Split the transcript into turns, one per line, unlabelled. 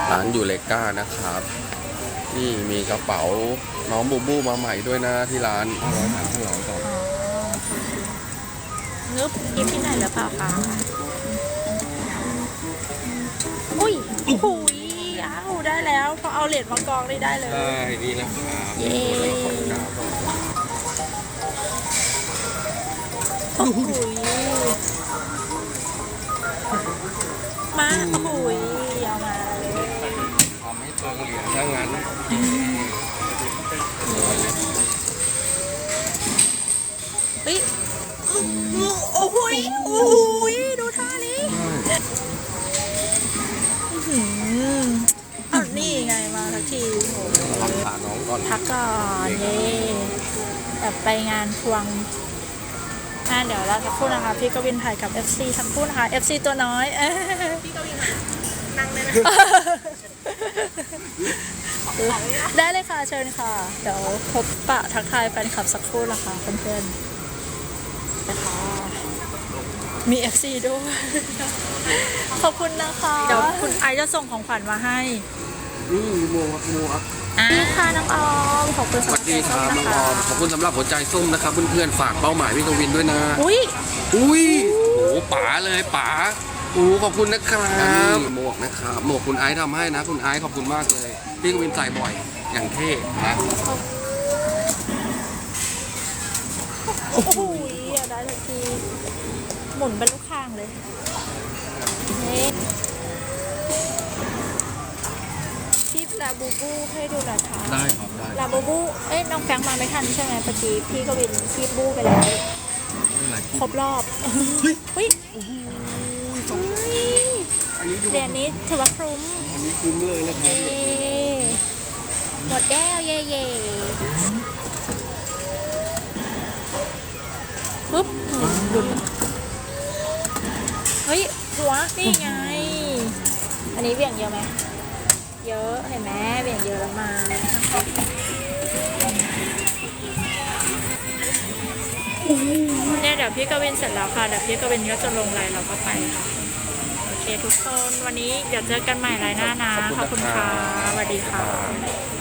ร้านยูเลกานะครับนี่มีกระเป๋าน้องบูบูมาใหม่ด้วยนะที่ร้าน500 ก่อน
งึบกินที่ไหนหรือเปล่าคะอุ้ยโอ้โหอ้าวได้แล้วพอเอาเหรียญมากองได้เลย
ใช่นี่นะครับ
เย้โอ้โหมาโอ้โหเอามาเลย
ทำให้เปลืองเหรียญถ้างั้น
เฮ้ยโอ้โหโอ้โหดูท่านี้อ้าวนี่ไงมาทักทีโอ้โห
รักษาน้องก่อน
พักก่อนเย่แบบไปงานทวงเดี๋ยวเราจะพูดนะคะพี่กวินถ่ายกับ FC ทั้งคู่นะคะ FC ตัวน้อยพี่กวินนั่งได้ไหมได้เลยค่ะเชิญค่ะเดี๋ยวพบปะทักทายแฟนคลับสักครู่นะคะเพื่อนๆนะคะมี FC ด้วยขอบคุณนะคะเดี๋ยวคุณไอจะส่งของขวัญมาให้
นี่โมครับ
นี่ค่ะน้องออมขอบคุณ
ส
สำห
วั
รั
ส
บ
ดีครับน้องออมขอบคุณสำหรับหัวใจส้มนะครับเพื่อนๆฝากเป้าหมายพี่กวินด้วยนะ
อุ้ย
อุ้ยโอ้โหป๋าเลยป๋าโอ้ขอบคุณนะครับหมวกนะครับหมวกคุณไอซ์ทำให้นะคุณไอซ์ขอบคุณมากเลยพี่กวินใส่บ่อยอย่างเท่นะ
โอ้โหได้ทันทีหมุนเป็นลูกคางเลยนี่พี่ลาบูบูให้ดูหน่อยค่ะ
ได้ครับได้
ลาบูบูน้องแฟงมาไม่ทันใช่ไหมเมื่อกี้พี่ก็เป็นคีบบูไปแล้วครบรอบเฮ้ยเหรียญนี้ถือว่าคุ้ม
อันนี้คุ้มเลยนะครับ
หมดแก้วเย่ปุ๊บเฮ้ยหัวนี่ไงอันนี้เบี่ยงเยอะไหมเยอะเห็นไหมเบี่ยงเยอะแล้วมาเนี่ยเดี๋ยวพี่กวินเสร็จแล้วค่ะเดี๋ยวพี่กวินก็จะลงไลน์เราก็ไปค่ะโอเคทุกคนวันนี้เดี๋ยวเจอกันใหม่ไลน์หน้านะขอบคุณค่ะสวัสดีค่ะ